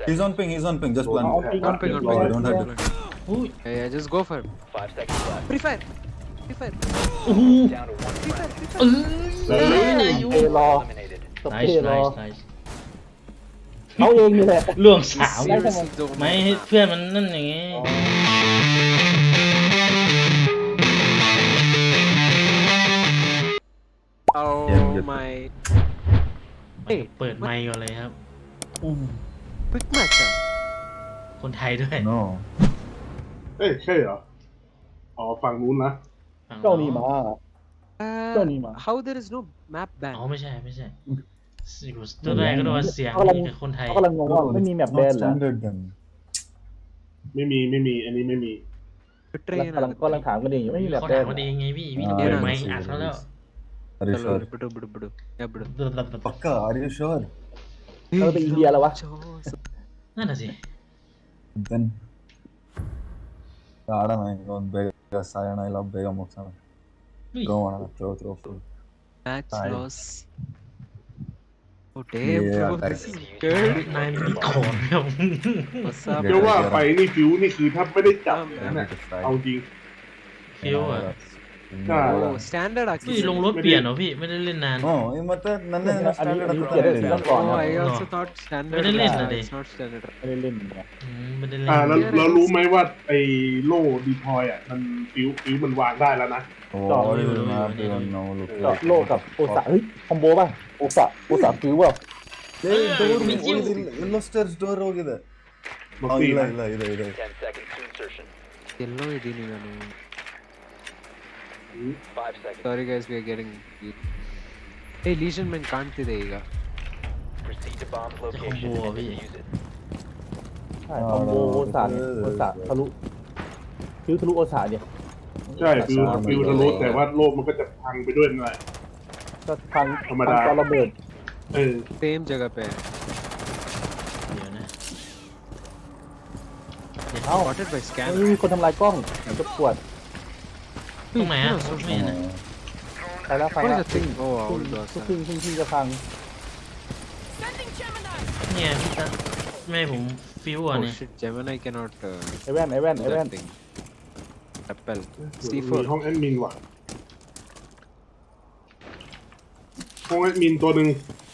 He's on ping. Just plan. On ping. Oh, you don't have to. อุ้ย Yeah, just go for him. 5 seconds left. Free fire. Free fire. โอ้โห Down to 1 Free friendly. fire. Free เอ fire. อได้อยู่เอรอ Eliminated. สเป nice รย์รอ nice nice เขาเองนี่แหละล่วงสาม Seriously don't ไม่ know ให้ map. เพื่อนมันนั่นอย่างงี้ Oh Yeah, my. เปิดไมค์ก่อนเลยครับ Quick match. คนไทยด้วย No. เอ้ยใช่เหรอ อ๋อฝั่งนู้นนะเจ้านี่มา Don't need map. How there is no map อ๋อ ban? ไม่ใช่ตัวแรกก็โดนเสียงเขากำลังกับคนไทยเขากำลังงงว่าไม่มีแมป It's แบ not นเหรอ standard then. ไม่มี อันนี้ไม่มี Train กำลังถามกันเองอยู่ไม่มีแมปเขาแบถาน มกันเองไงพี่ต้องเปิดไมค์อัดเขาแล้ว Are you sure? Bidu. Yeah, bidu. Pakka, are you sure? เราไปอินเดียแล้ววะนั่นน่ะสิ Then. ಆಡ ಬೇಗ ಸಾಯೋಣ ಇಲ್ಲ ಬೇಗ ಮುಗ್ಸೋಣ throw ಮಾಡೋಣ throw full Match Aye. loss. Oh damn, Yeah, bro. that's- This is good. นายมีของครับ What's up? เรียกว่าไปนี่ฟิวนี่คือถ้าไม่ได้จับนั่นน่ะเอาจริงฟิวอ่ะใช่ Oh, standard พี่ actually. ลงรถเปลี่ยนเหรอพี่ไม่ได้เล่นนาน ಹ್ಞೂ ಮತ್ತೆ ನನ್ನ อันนี้ standard เกียรติต้องก่อน Oh, นะ I also thought standard. ไม่ได้เล่นน่ะดิ It's not standard. ไม่ได้เล่นนะไม่ได้เล่นแล้วรู้ไหมว่าไอ้โล่ดีพอยอ่ะมันฟิวมันวางได้แล้วนะก็โลกกับโอซาเฮ้ยคอมโบป่ะโอซาฟิวเปล่า ಎಲ್ಲೋ ಸ್ಟೇರ್ಸ್ ಡೋರ್ ಹೋಗಿದೆ บอกตี ಇಲ್ಲ นะ ಇಲ್ಲ ಇದೆ ಇದೆ 10 seconds to insertion. Yellow idini ನಾನು. 5 seconds. Sorry guys, we are getting. Hey, Legion Man ಕಾಣ್ತಿದೆ ಈಗ. Proceed to bomb's location and defuse it. ใช่คอมโบโอซาเนี่ยโอซาทะลุฟิวทะลุโอซาเนี่ยใช่ฟิวทะลุแต่ว่าโลกมันก็จะพังไปด้วยนั่นแหละก็พังธรรมดาตอนระเบิด Same जगह पे है. เดี๋ยวนะเอ้า Spotted by scan. มีคนทำลายกล้องจะปวดตรงไหนอ่ะไม่เห็นนะไปแล้วไป What แล้ is ว the thing? Oh, wow. พึ่งจะพังเนี่ยพี่ตาแม่ผมฟิวอ่ะ Oh เนี่ย shit, Gemini cannot ไอแว่น do that thing. Rappel. มี C4. ห้องแอดมินว่ะห้องแอดมินตัวหนึ่ง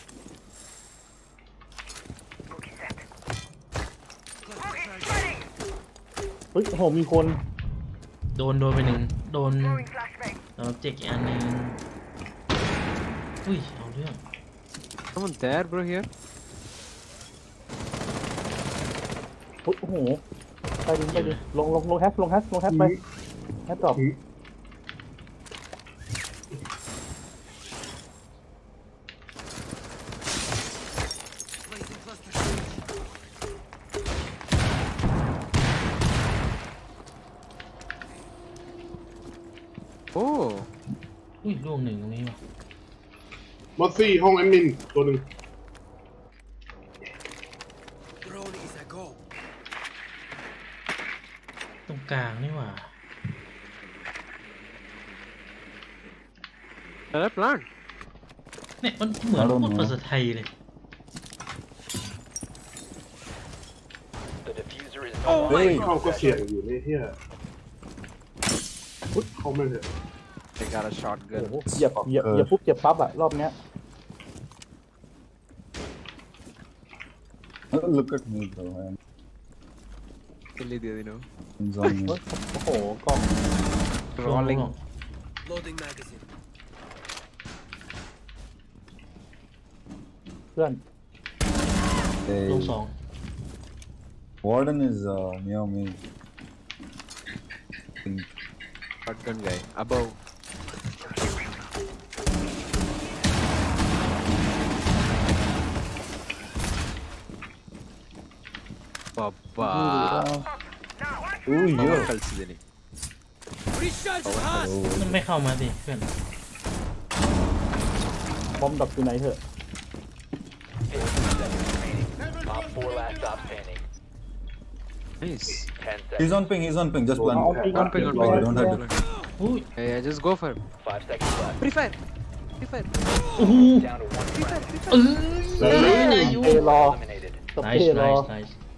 เฮ้ยโอ้โหมีคนโดนไปหนึ่งโดนแล้วเจ็กอีกอันหนึงอุ้ยเอาเรื่อง Someone there, bro, here? โอ้โหไปดิลงแฮชไปแฮชตอบ Oh. อุ้ยล่วงหนึ่งตรงนี้ว่ะมอสซี่ห้องแอดมินตัวหนึ่งตรงกลางนี่หว่า Another plant. เนี่ยมันเหมือนพูดภาษาไทยเลย The diffuser is Oh no เฮ้ย longer เข้า in ก็เสี่ยง possession. อยู่ในเฮียพุทเข้าไม่เถอะ They got a โอ้ shotgun. โหเหยียบปุ๊บเหยียบปั๊บอะรอบเนี้ย look at me bro I'm Kill दिया दिनो. on me โอ้โหกล้อง Rolling. เพื่อนลงสอง warden is near me Shotgun guy. Above. Papa. อุ้ยเยอะ ಕಳ್ಸಿದ್ದೀನಿ. มันไม่เข้ามาสิเพื่อนบอมดับอยู่ไหนเถอะ 15 seconds remaining. Top 4 last stop standing. Nice. 10 he's seconds. on ping just plan On ping. On ping, on Oh, ping. you don't have to อุ้ย Yeah, just go for him. 5 seconds left. Free fire. Free fire. โอ้โห Down to 1 Free fire. friendly. Free fire. ได้อยู่เอรอ Eliminated. สเปร nice ย์รอ nice nice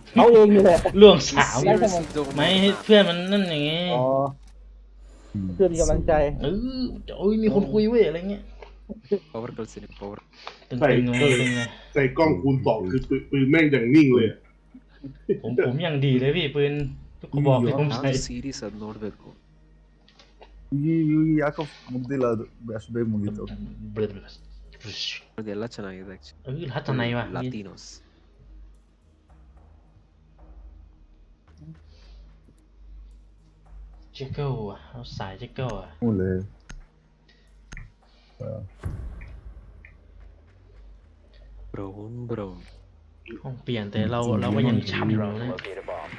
เขาเองนี่แหละล่วงสาม Seriously don't ไม่ให้เพื่อนมันนั่นอย่างงี้อ๋อเพื่อนมีกำลังใจโอ้ยมีคนคุยเว้ยอะไรเงี้ย power ಕಳ್ಸಿನಿ power ตึงๆเลยตึงเลยใส่กล้องคูณสองคือปืนแม่งอย่างนิ่งเลยผมอย่างดีเลยพี่ปืนทุกกระบอกที่ผมใช้ ನಾನು ಸೀರೀಸ್ ಅದ್ ನೋಡ್ಬೇಕು ಯಾಕೋ ಮುಗ್ದಿಲ್ಲ ಅದು ಅಷ್ಟು ಬೇಗ ಮುಗೀತು ಅದೆಲ್ಲ ಚೆನ್ನಾಗಿದೆ ฮัตทนายว่ะ ಲಾತಿನೋಸ್ เจ๊เกิลอ่ะเอาสายเจ๊เกิลอ่ะ ಮೂಲೆ brown ห้องเปลี่ยนแต่เราก็ยังช้ำอยู่นะ Locate a bomb.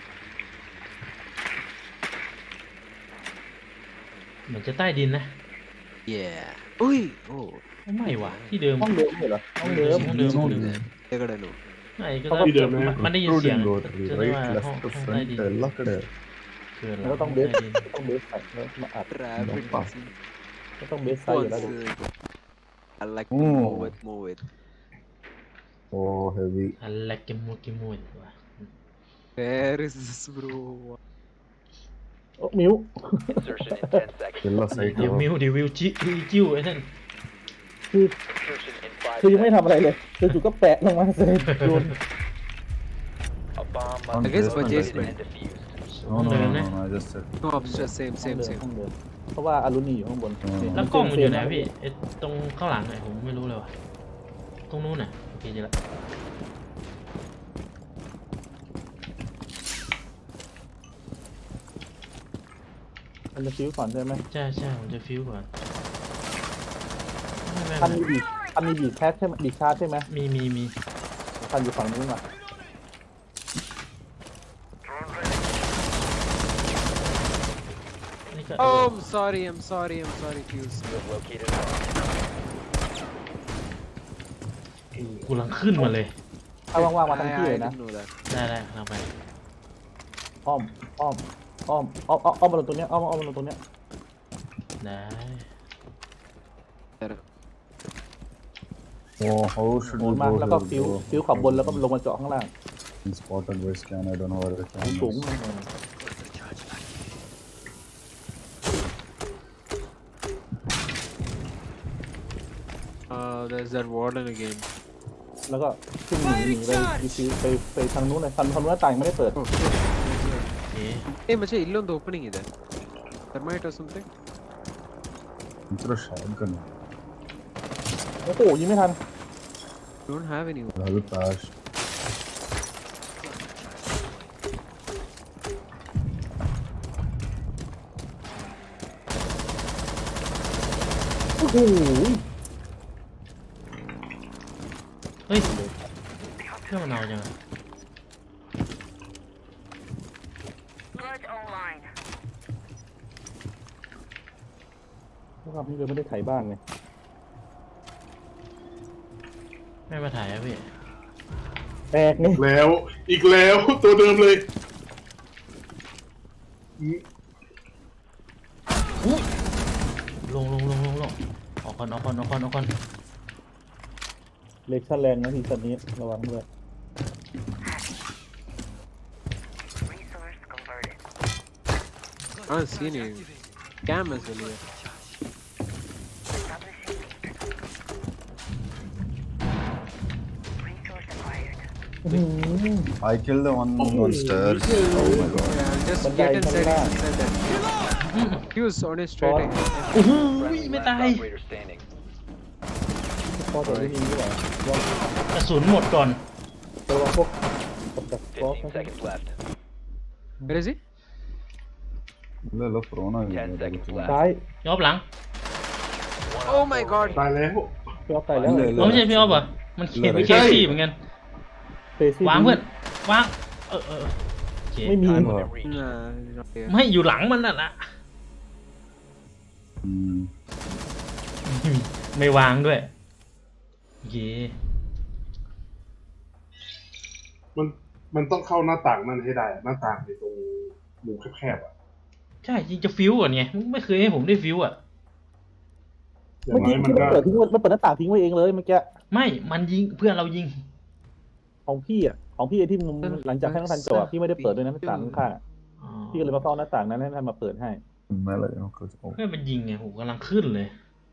เหมือนจะใต้ดินนะ yeah อุ้ยโอ้ไม่ว่ะที่เดิมห้องเดิมเหรอห้องเดิมห้องเดิมห้องเดิม ಕೆಳಗಡೆನು ไม่ก็ได้มันได้ยินเสียง ರೋಡ್ จะได้ ರೈಟ್ ว่าห้อง ಲೆಫ್ಟ್ ใต้ดิ ಫ್ರಂಟ್ น ಎಲ್ಲ ಕಡೆ เกินแล้วก็ต้องเบสใต้ดินต้องเบสใส่แล้วมาอัด rabbit ก็ต้องเบสใส่อยู่แล้วดิ I like to move it โอ้ heavy อะไรกิมูว่ะ where is this bro โอ้มิว insertion in 10 seconds ಎಲ್ಲ ಸೈಟ್ เดี๋ยววิวจิ้วไอ้นั่นคือ insertion in 5 คือยังไม่ seconds ทำอะไรเลยจู่ๆก็แปะลงมาเลยโยน a bomb On must be this located basement. and defused no no no no just set no upstairs same ห้องเดิมเพราะว่าอารุณีอยู่ข้างบนแล้วกล้องมันอยู่ไหนพี่ไอ้ตรงข้างหลังไหนผมไม่รู้เลยว่ะตรงนู้นน่ะโอเคเจอละมันจะฟิวก่อนใช่ไหมใช่ผมจะฟิวก่อนไม่ทันมีบีบแคสใช่ไหมบีบชาร์จใช่ไหมมีทันอยู่ฝั่งนู้นอ่ะนี่ก็ oh I'm sorry fuse you have located a bomb กูลังขึ้นมาเลยถ้าว่างๆมาทั้งที่เลยนะ I didn't know that ได้ทางไปอ้อมมาลงตรงเนี้ยอ้อมมาลงตรงเนี้ยได้โอ้ how should โห we นมา go แล้วก็ here ฟิวขอบบนแล้วก็ลงมาเจาะข้างล่าง bro? Spotted where scan I don't know where the สูง camera is there's that warden again แล้วก็ขึ้นหนีไปทางนู้นเลยทางนู้นต่างไม่ได้เปิดโอเค hey ಮಚ್ಚ ಇಲ್ಲೊಂದು ಓಪನಿಂಗ್ ಇದೆ thermite or something ಒಂಥರ shotgun โอ้โหยิงไม่ทัน don't have any ಅದು fast โอ้โหเฮ้ยเครื่องมันเอาจังอะพวกเราพี่เลยไม่ได้ไถบ้านไงไม่มาถ่ายอะพี่แตกนี่แล้วอีกแล้วตัวเดิมเลยลงออกก่อนเล็กชั่นแรงนะทีสันนี้ระวังด้วย I don't see any cameras in here I killed the one on stairs oh my god yeah just But get guys, inside come that fuse on his straight What? ahead. อุ้ย friendly ไม่ last ตาย operator standing พอแต่ไม่มีด้วยเหรอลองกระสุนหมดก่อนระวังพวกตกจากบล็อก 15 seconds left Where is he? ಇಲ್ಲ prone 10 seconds left ซ้ายยอบหลัง Oh my god ตายแล้วพี่ออฟตายแล้วเราไม่ใช่พี่ออฟเหรอมันเขียนเป็นเคซี่เหมือนกันเฟซี่วางเพื่อนวางโอเคไม่มี Time limit reached. nah he's not here ไม่อยู่หลังมันน่ะนะอืมไม่วางด้วยโอเคมันต้องเข้าหน้าต่างนั่นให้ได้หน้าต่างในตรงมุมแคบๆอ่ะใช่จริงจะฟิวก่อนไงมึงไม่เคยให้ผมได้ฟิวอ่ะอย่างเมื่อน้กี้อยมันที่มันก็เปิดทิ้งไว้มันเปิดหน้าต่างทิ้งไว้เองเลยเมื่อกี้ไม่มันยิงเพื่อนเรายิงของพี่อ่ะของพี่ที่มุมหลังจากให้น้องทันจบพี่ไม่ได้เปิดด้วยนะหน้าต่างข้างๆอ๋อพี่ก็เลยมาเฝ้าหน้าต่างนั้นให้ท่านมาเปิดให้ Melee knuckles. Oh. เพื่อนมันยิงไงผมกำลังขึ้นเลย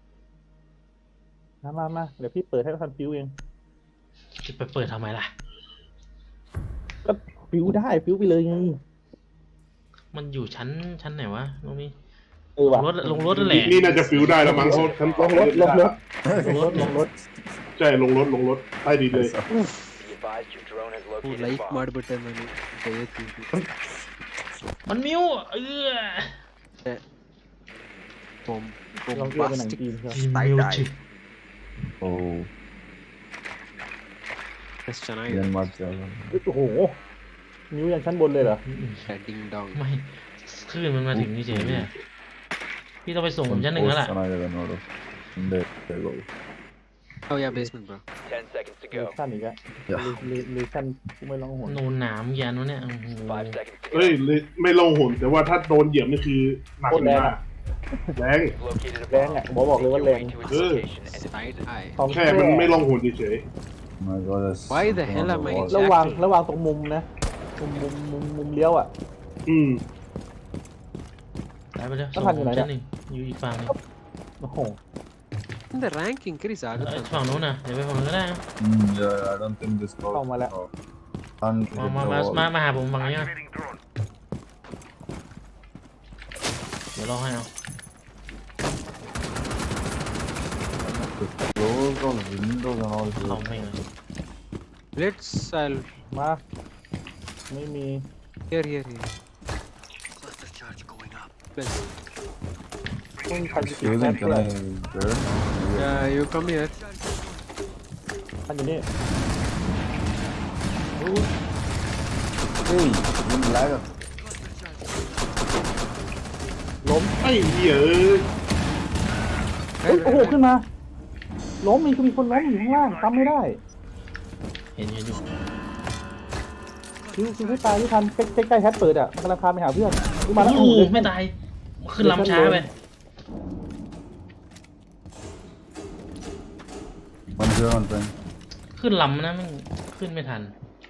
มาเดี๋ยวพี่เปิดให้ท่านฟิวเองจะไปเปิดทำไมล่ะก็ฟิวได้ฟิวไปเลยไงมันอยู่ชั้นไหนวะตรงนี้ว่ะลงรถนั่นแหละนี่น่าจะฟิวได้แล้วมั้งเขาฉันลงรถลงรถใช่ลงรถใต้ดินเลย Be advised your drone has located a like bomb. ಮಾಡ್ಬಿಟ್ಟೆ ನಾನು ದಯವಿಟ್ಟು มันมิวลองเที่ยวไปหนังจีนใช่ไหมมิวจิ Oh. ಎಷ್ಟು ಚೆನ್ನಾಗಿದೆ Yan ಮಾಡ್ತೀಯಲ್ಲ. โอ้โหนิ้วยันชั้นบนเลยเหรอ ಡಿಂಗ್ ಡಾಂಗ್ ไม่คลื่นมันมาถึงนี่เฉยไหมเนี่ยพี่ต้องไปส่งผมชั้นหนึ่งแล้วล่ะ ಚೆನ್ನಾಗಿದೆ ನೋಡು. ಹಿಂದೆ go. oh yeah basement bro 10 seconds to เล go. ชั่นอีกอะเลชั่นกูไม่ร้องหัวโนนหนามยันวะเนี่ยโอ้โห 5 seconds to เฮ้ย go. ไม่ลงหุ่นแต่ว่าถ้าโดนเหยียบนี่คือหนักมากแรง You've located a แรง bomb. อ่ะบอกเลยว่า Make แร your ง way to its location and side eye ของแค่มันไม่ลงหุ่นเฉย Oh my god. That's Why the something hell on am the I wall. ระวางตรงมุมนะมุมเลี้ยวอ่ะไปไปเร็วต้ส่องงทันอยู่ไหนชั้นหเนี่นึ่ยงอยู่อีกฝั่งหนึงโอ้โห the rank increase ಆಗುತ್ತೆ ฝั่งนู้นน่ะเดี๋ยวไปฝั่งนู้นก็ได้นะ Yeah, I don't think this goes. Come on, Oh. Can't hit มา the wall. มาหาผมฝั่งนี้นะเดี๋ยวรอให้เอา Close all windows and all เอา here. ไม่เลย let's I'll มาไม่มี here Let's go. ต้องทันอยู่ Susan, can I burn? yeah you come here ทันอยู่นี่ Hey, you lag. ล้มๆไอ้เหี้ยเฮ้ยโอ้โหขึ้นมาล้มมีคนล้มอยู่ข้างล่างทำไม่ได้เห็นอยู่คิวไม่ตายที่ทันใกล้ๆแฮตเปิดอ่ะมันกำลังพาไปหาเพื่อนมาแล้วโอ้โหไม่ตายขึ้นลำช้าไป One here, one thing. ขึ้นลำนะมันขึ้นไม่ทัน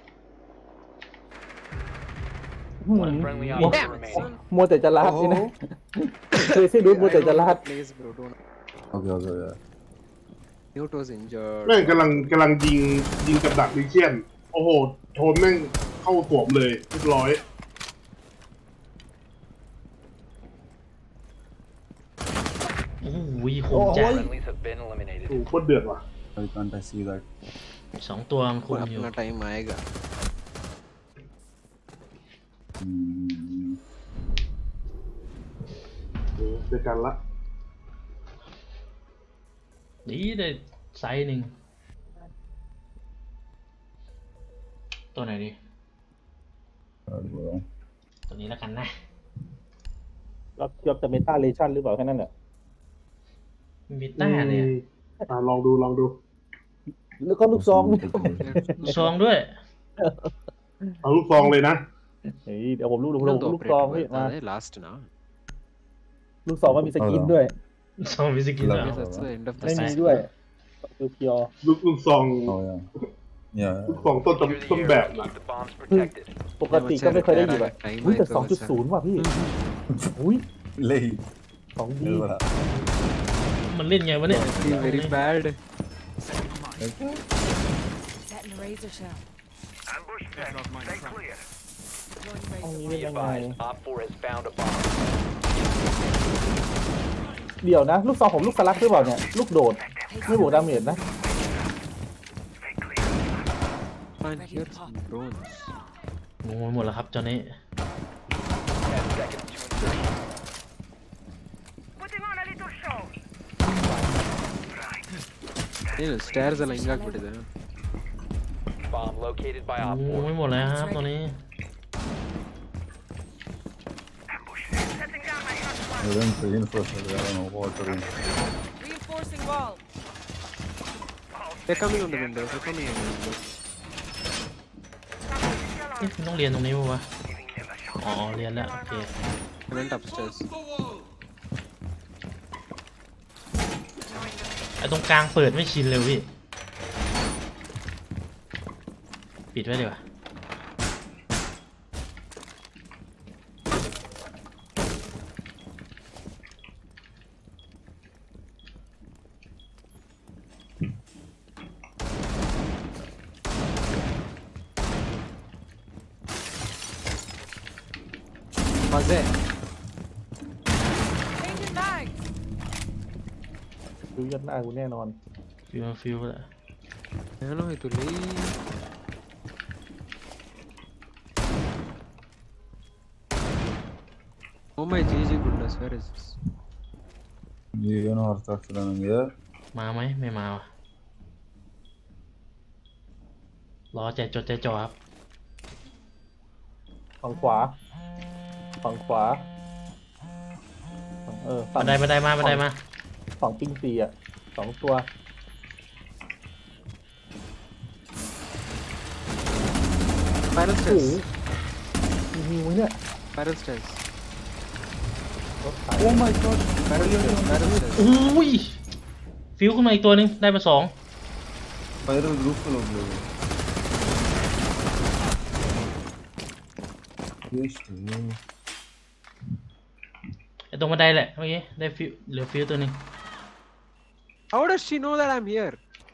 One friendly Damn operator it, remaining. son. มัวแต่จะลาดนี่นะเคยซิดูมัวแต่จะลาด please bro don't Okay, yeah. Newt was injured แม่งกำลังยิงกับดักดิเชียน โอ้โหโทนแม่งเข้าสวมเลยเรียบร้อยโอ้โหคมจัด Friendlies have been eliminated. โอ้โหโคตรเดือดว่ะ Why can't I see that? สองตัวมันคุมอยู่ अपना टाइम आएगा Hmm. เจอกันละดีได้ไซส์หนึ่งตัวไหนดี Bad bro. ตัวนี้แล้วกันนะรับจอบจะเมตาเลชั่นหรือเปล่าแค่นั้นแหละมิต้าเนี่ยลองดูแล้วก็ลูกซองซองด้วยเอาลูกซองเลยนะเฮ้ยเดี๋ยวผมลูก ಇನ್ನೊಂದು ลูกซอง operator พี่มา ಬರ್ತಾರೆ last ನಾ ลูกซองก็มีสกินด้วยซองวิสกิน Love เหรอ it. that's the end of the ไม่มี set ด้วยเพียวลูกซอง Oh yeah. Yeah. ลูกซองต้น Secure the ต้นแบบ area. นะ Keep the bombs protected. ๆปกติก็ไม่เคยได้ยินแบบอุ้ยแต่ 2.0 ว่ะพี่อุ้ย Late. ของดี Hello. มันเล่นไงวะเนี่ย I feel very bad Setting razor shell. ห้องนี้ Be เป็นยังไง advised, Op 4 has found a bomb. เดี๋ยวนะ ลูกซองผมลูกสลักหรือเปล่าเนี่ยลูกโดดไม่บวกดาเมจนะ and here's some drones งงไปหมดแล้วครับเจ้านี้ 10 seconds to insertion. ಏನು stairs ಎಲ್ಲ ಹಿಂಗಾಗ್ಬಿಟ್ಟಿದೆ Bomb located by ง Op งไปหมดแล้วครับตัวนี้ I didn't reinforce it. I don't know what to reinforce. Reinforcing wall. they're coming on the window they're coming on the window เอ๊ะมันต้องเรียนตรงนี้ป่าวะอ๋อเรียนแล้วโอเค I went upstairs ไอ้ตรงกลางเปิดไม่ชินเลยพี่ปิดปิดไว้ดีกว่า Was it? Changing mags. ดูยัดหน้ากูแน่นอนฟิวแล้ว Ano ito li? Oh my GG goodness, where is this? ಏನೋ ಅರ್ಥ ಆಗ್ತಿಲ್ಲ ನನಗೆ. มาไหมไม่มาวะรอใจจดใจจ่อครับฝั่งขวาฝั่งขวาฝั่บังนไดมาบันไดมาฝั่งปิงซีอ่ะ2 ตัว Spiral โอ้โห stairs. มีฮิวไหมเนี่ย Spiral stairs. รถถัง Oh my god. Spiral stairs. Spiral stairs. อุ้ยฟิวขึ้นมาอีกตัวหนึงได้มา2 spiral ರೂಫಲ್ಲಿ ಹೋಗ್ಬೋದು. ಎಷ್ಟು? ไอตรงบันไดแหละเมื่อกี้ได้ฟิวเหลือฟิวตัวหนึง How does she know that I'm here?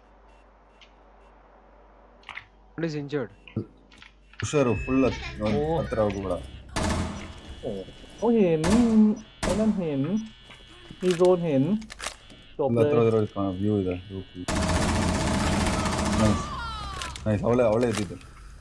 One is injured. ಹುಷಾರು full ಓ. ಹತ್ರ ಹೋಗ್ಬೇಡ. โอ้เห็นไอ้นั่นเห็นมีโซนเห็นจบ ಫುಲ್ เล ಹತ್ರ ย ಇರೋದಕ್ಕೆ ವ್ಯೂ ಇದೆ ರೂಫ್. ನೈಸ್ ನೈಸ್ ಅವಳೆ ಇದ್ದಿದ್ದು.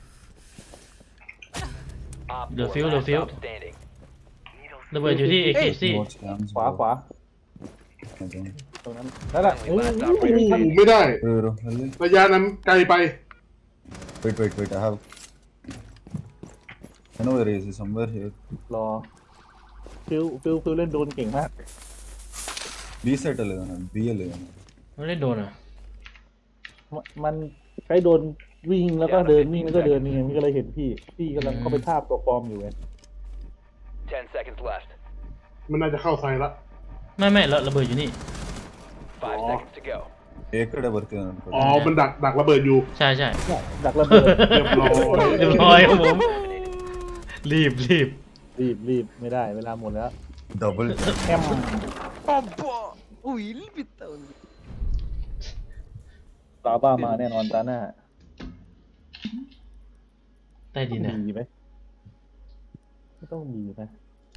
Op The 4 field, the last field. stop standing. ระเบิดอยู่ที่เอเคซี่ Watch cams, ขวา bro. ขวา Okay. ตรงนั้นนั่นแหละ Last operator ไม่ได้ ಇವರು ಅಲ್ಲಿ ระยะนั้นไกลไป wait I have I know where he is somewhere here. รอฟิลเล่นโดนเก่งมาก B side ಅಲ್ಲಿ ಇದ್ದಾನೆ B ಅಲ್ಲಿ ಇದ್ದಾನೆ. ไม่ได้โดนอ่ะมันใช้โดนวิ่งแล้วก็เดินวิ่งแล้วก็เดินนี่ไงมันก็เลยเห็นพี่กำลังเข้าไปทาบตัวปลอมอยู่ไง 10 seconds left. มันน่าจะเข้าไซละไม่ระเบิดอยู่นี่ 5 Oh. seconds to go. A ಕಡೆ ಬರ್ತಿದ್ದಾನೆ ಅನ್ಕೊಳ್ಳಿ. อ๋อมันดักระเบิดอยู่ใช่เนี่ยดักระเบิดเรียบร้อยเรียบร้อยครับผม รีบรีบไม่ได้เวลาหมดแล้ว Double แอม Abba! Oh, ಇಲ್ಲಿ ಬಿತ್ತ ಒಂದು. ลาบ้ามาแน่นอนตาหน้าใต้ดินนะมีไหมไม่ต้องมีนะ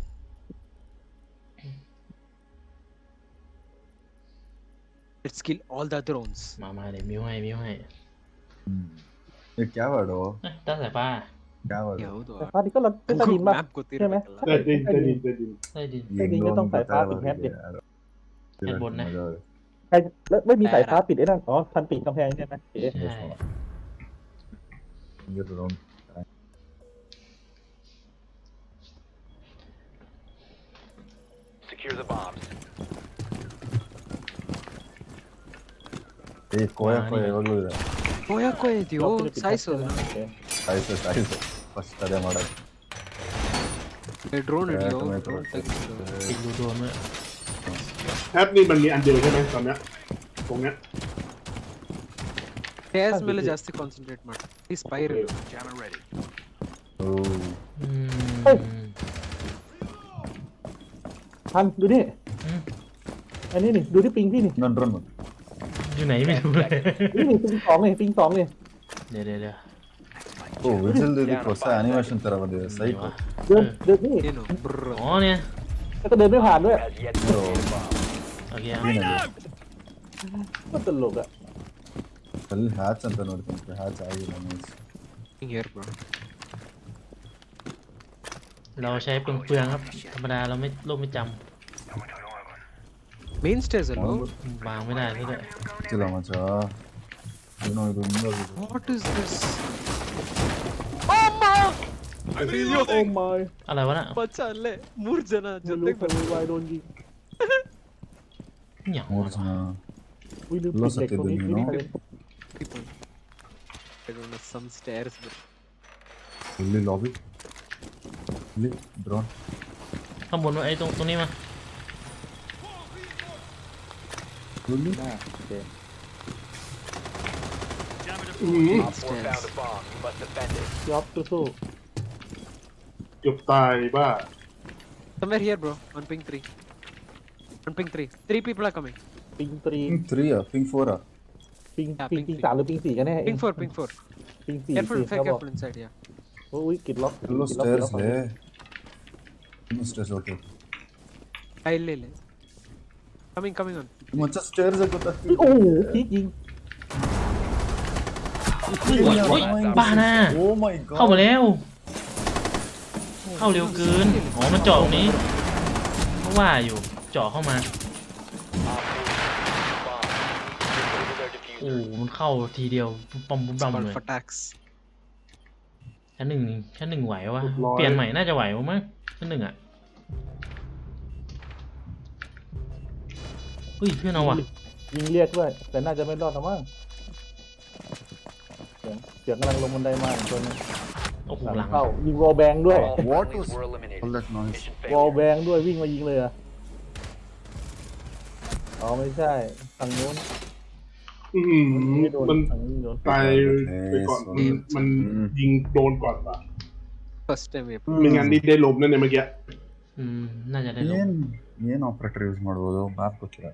Let's kill all the drones. มาเดี๋ยวมิวให้ ये क्या वर्ड हो เอ้ยตั้งสายฟ้า क्या वर्ड हो ಯಾವುದು? แต่ฟ้านี่ก็เราเป็นใต้ดิน Google ป่ะ map ใช่ไหม ಗೊತ್ತಿರಬೇಕಲ್ಲ. ได้ดินใต้ดินใต้ดินไม่ดีก็ต้องสายฟ้าปิดแฮปดิด้านบนนะใครแล้วไม่มีสายฟ้าปิดไอ้นั่นอ๋อพันปิดกำแพงใช่ไหมเอ๊ะใช่ Secure the bombs. ಏ ಕೋಯ ಯಾವಾಗಲೂ ಇದೆ. ಯಾಕೋ ಇದೆಯೋ ಸಾಯಿಸೋದು ಸಾಯಿಸು ಫಸ್ಟ್ ಅದೇ ಮಾಡೋದು. ಡ್ರೋನ್ ಹಿಡಿಯೋ Tomato, ಡ್ರೋನ್ ತೆಗಿಸು. ปิดรูโดนด้วยแอปนี่มันมีอันเดียวใช่ไหมตอนเนี้ยตรงเนี้ย ಸ್ಟೇರ್ಸ್ ಮೇಲೆ ಜಾಸ್ತಿ ಕಾನ್ಸಂಟ್ರೇಟ್ ಮಾಡಿ ಈ ಸ್ಪೈರಲ್ ಓ อืมพันดูนี่อืมอันนี้นี่ดูที่ปิงพี่นี่ ಇನ್ನೊಂದು ಡ್ರೋನ್ อยู่ไหนไม่รู้เลยนี่ปิง2นี่ปิง2นี่เดี๋ยว ಓ ವಿಜಲ್ದು ಇದಕ್ಕೆ ಹೊಸ ಅನಿಮೇಷನ್ ತರ ಬಂದಿದೆ ಸೈಟ್. เดินนี่ ಏನು ಬ್ರರ್. อ๋อเนี่ยแล้วก็เดินไม่ผ่านด้วย Has yet to locate a bomb. โอเคก็ตลกอ่ะ ಅಲ್ಲಿ ಹ್ಯಾಚ್ ಅಂತ ನೋಡ್ತೀನಿ ಹ್ಯಾಚ್ ಆಗಿಲ್ಲ ನೈಸ್. ಹಿಂಗ್ here bro. เราใช้เปลืองครับธรรมดาเราไม่โลกไม่จ ಮೇನ್ ಸ್ಟೇರ್ಸ್ ಅಲ್ಲೋ. ำวางไม่ได้ซะด้วย ಗೊತ್ತಿಲ್ಲ ಮಚ್ಚ ಏನೋ ಇದು ಮುಂದೋಗಿದೆ. What is this? โอ้ my อะไรวะน่ะ ಮಚ್ಚ ಅಲ್ಲೇ 3 ಜನ ไม่รู้ ಜೊತೆಗೆ คนวายโดนยิงอย่าง ಮೂರು วะ ಜನ อุ้ยลืมปิดเหล็กตรงนี้ Lost at the นี่ people. I don't know some stairs bro. ಇಲ್ಲಿ ಲಾಬಿ ಇಲ್ಲಿ ಡ್ರೋನ್. ข้างบนว่าไอ้ตรงนี้มา ಇಲ್ಲಿ หน้าโอเคอื้อหือ Op 4 found a bomb. You must defend it. ยอบสู้เกือบตายบ้า Somewhere here, bro. On ping 3. On ping 3. 3 people are coming. ๆปิงตรี Ping 3 อ่ะ Ping 4 อ่ะปิง Yeah, ปิง ping ปิง three. 3หรือปิง4กันแน่เอง Ping 4, ping 4. ปิง4 Careful, เขาบอก careful inside, yeah. อุ้ยกิดล็อก Hello กิดล็อก stairs กิดล็อก ಲೇ Hello stairs okay Ile. Coming on. ಮಚ್ಚ stairs ಗೊತ್ತಾಗ್ತಿಲ್ಲ โอ้โหพีกยิงเฮ้ยบ้าน่ะ Oh my god เข้ามาแล้ว เข้าเร็วเกิน อ๋อ มันเจาะตรงนี้เพราะว่าอยู่ เจาะเข้ามา Op 4 bomb. Disable their โอ้ diffuser. มันเข้าทีเดียวปั๊มปั๊มปั๊ม Call เลย for tax. ชั้นหนึ่งไหววะ เปลี่ยนใหม่น่าจะไหวมั้งชั้นหนึ่งอ่ะเฮ้ยเพื่อนเอาว่ะยิงเรียกด้วยแต่น่าจะไม่รอดนะมั้งเสียงกำลังลงบันไดมาอีกตัวนึงโอ้โหหลัหลังงเข้ายิงวอลแบงด้วย All What friendlies was were eliminated. all that noise? Mission วอล failure. แบงด้วยวิ่งมายิงเลยอะอ๋อไม่ใช่ทางนู้นอื้อหือไม่โดนมันทางนี้โดนตายไปก่อนมันยิงโดนก่อนป่ะ First time, yeah. ไม่งั้นนี่ได้ล้มนั่นเนี่ยเมื่อกี้น่าจะได้ลง ಏನ್ operator use ಮಾಡ್ಬೋದು ಮ್ಯಾಪ್ ಗೊತ್ತಿಲ್ಲ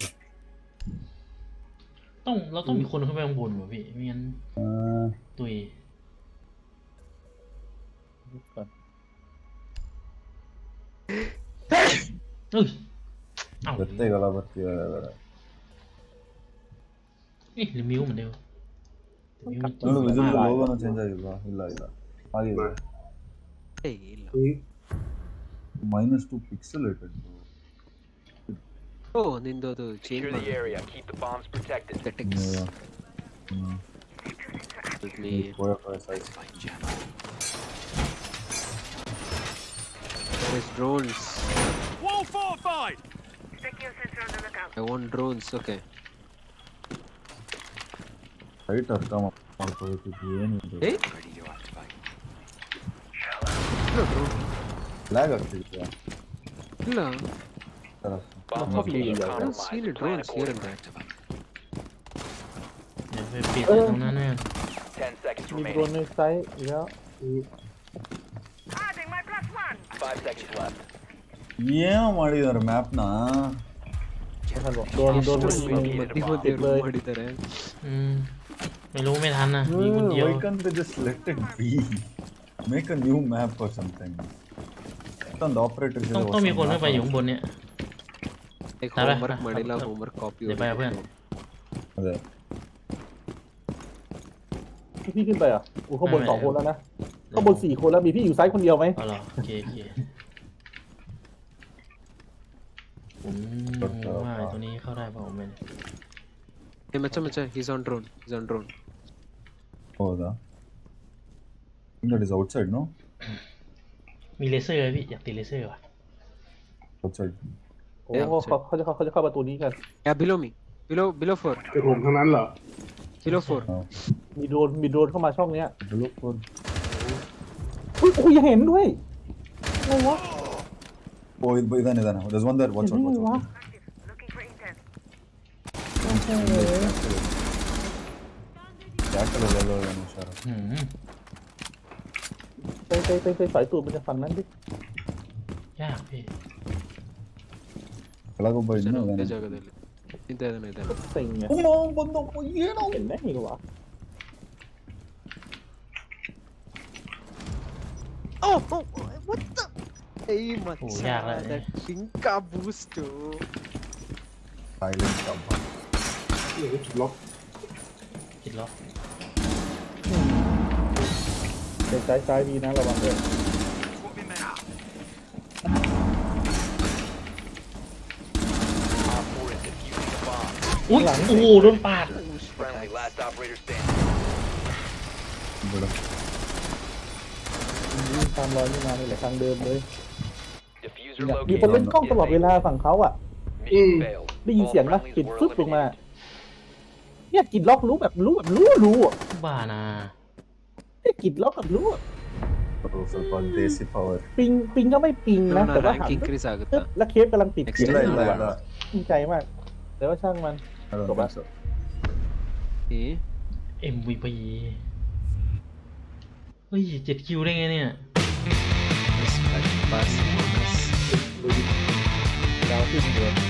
เราต้องมีคนขึ้นไปข้างบนว่ะพี่ไม่งั้นตุยเฮ้ยเอ้า ಗೊತ್ತೇಗಲ್ಲ ಬರ್ತೀವಿ หรือมิวเหมือนเดิมมิว ನೋಡು ವಿಸಿಲ್ ಲೋಗೋನ ಚೇಂಜ್ ಆಗಿಲ್ವಾ ಇಲ್ಲ ಆಗಿದೆ Hey, ಇಲ್ಲ. -2 pixelated Oh, ನಿಂದು ಅದು change Secure the area. Keep the bombs protected. settings. Let me. There's drones. Wall fortified! I want drones. Okay. Height ಅರ್ಥ ಮಾಡ್ಕೋಬೇಕಿತ್ತು ಏನಿದೆ Hey. ಇಲ್ಲ drone. ಲ್ಯಾಗ್ ಆಗ್ತಿದ್ಯಾ ಇಲ್ಲ. Bomb Fuck location you, guys. I don't see any compromised. Plan drones here and accordingly. there. เดี๋ยวไปปิดไว้ตรงนั้นแน่ 10 seconds มีโดน remaining. ในไซต์อีกแล้ว 5 seconds left. ಏನು ಮಾಡಿದಾರೆ ಮ್ಯಾಪ್ನ ไม่ทันบอกโดน ಎಷ್ಟು ยิง ಮಧ್ಯೆ เลย. ಮಾಡಿದ್ದಾರೆ. ไม่รู้ไม่ทันนะมีคนเดียว why can't they just let it be make a new map or something ಒಂದು operator ต้องมีคนขึ้นไปอยู่ข้างบนเนี่ย Like Tara, homework tara, ಮಾಡಿಲ್ಲ tara. homework copy เดี๋ยวไปกับเพื่อน ಅದೇ พี่ขึ้นไปอ่ะอู้ข้างบนไม่ 2 คนแล้วนะข้างบน4 คนแล้วมีพี่อยู่ไซต์คนเดียวไหมเอาเหรอโอเคผมว่าตัวนี้เข้าได้เปล่าไม่ Hey, macha, he's on drone. He's on drone. ಹೌದಾ that is outside no มีเลเซอร์พี่อยากติดเลเซอร์ว่ะ outside โอ้เขาจะเข้าประตูนี้กัน Yeah, below me. Below 4. ไอ้ผมทั้งนั้นเหรอ Below 4. มีโดรนเข้ามาช่องเนี้ย look for อุ้ยโอ้ยยังเห็นด้วยอะไรวะ oh ಇದಾನೆ there's one there watch เห็น out ได้ไง watch วะ out ಯಾಕಲ್ಲ ಏನು ಹುಷಾರು ไปสายตูดมันจะฝั่งนั้นดิยากพี่ ಕೆಳಗೊಬ್ಬ ಇನ್ನು ಒಂದೇ ಇದಾನೆ ಜಾಗದಲ್ಲಿ ಇದ್ದಾನೆ เซ็งไง ಬಂದು ಏನೋ เห็นได้ไงวะ Oh, what the? Hey, Oh, yeah, right. that Pinka boost. Silent ಕಬ್ಬ เดี๋ยวจุดล็อกติดล็อกเป็นซ้ายดีนะระวังด้วย Op 4 is defusing the bomb. อุ้ยโอ้โหโดนปาด Friendly, last operator standing. ಬಿಡು วิ่งตามรอยนี่มานี่แหละทางเดิมเลย Diffuser มีคน located. เล่นกล้องตลอดเวลาฝั่งเขาอ่ะ Mission failed. ได้ยิน All เสียงนะ friendlies ปิด were ฟึบลงมา eliminated. เนี่ยกิดล็อกรู้อ่ะบ้านะเนี่ยกิดล็อกกับรู้อะ ಸ್ವಲ್ಪ ದೇಸಿ ಪವರ್ ปิงก็ไม่ปิงนะ แต่ว่า rank หัน increase ปึ๊ ಆಗುತ್ತಾ? บแล้วเคฟกำลังติด Next ಇಲ್ಲ ಇಲ್ಲ ಇಲ್ಲ ดีใจมาก แต่ว่าช่างมัน I don't Go think back. so. Eh? MVP เฮ้ย7 คิวได้ไงเนี่ย Pass bonus ดาวขึ้นเดือน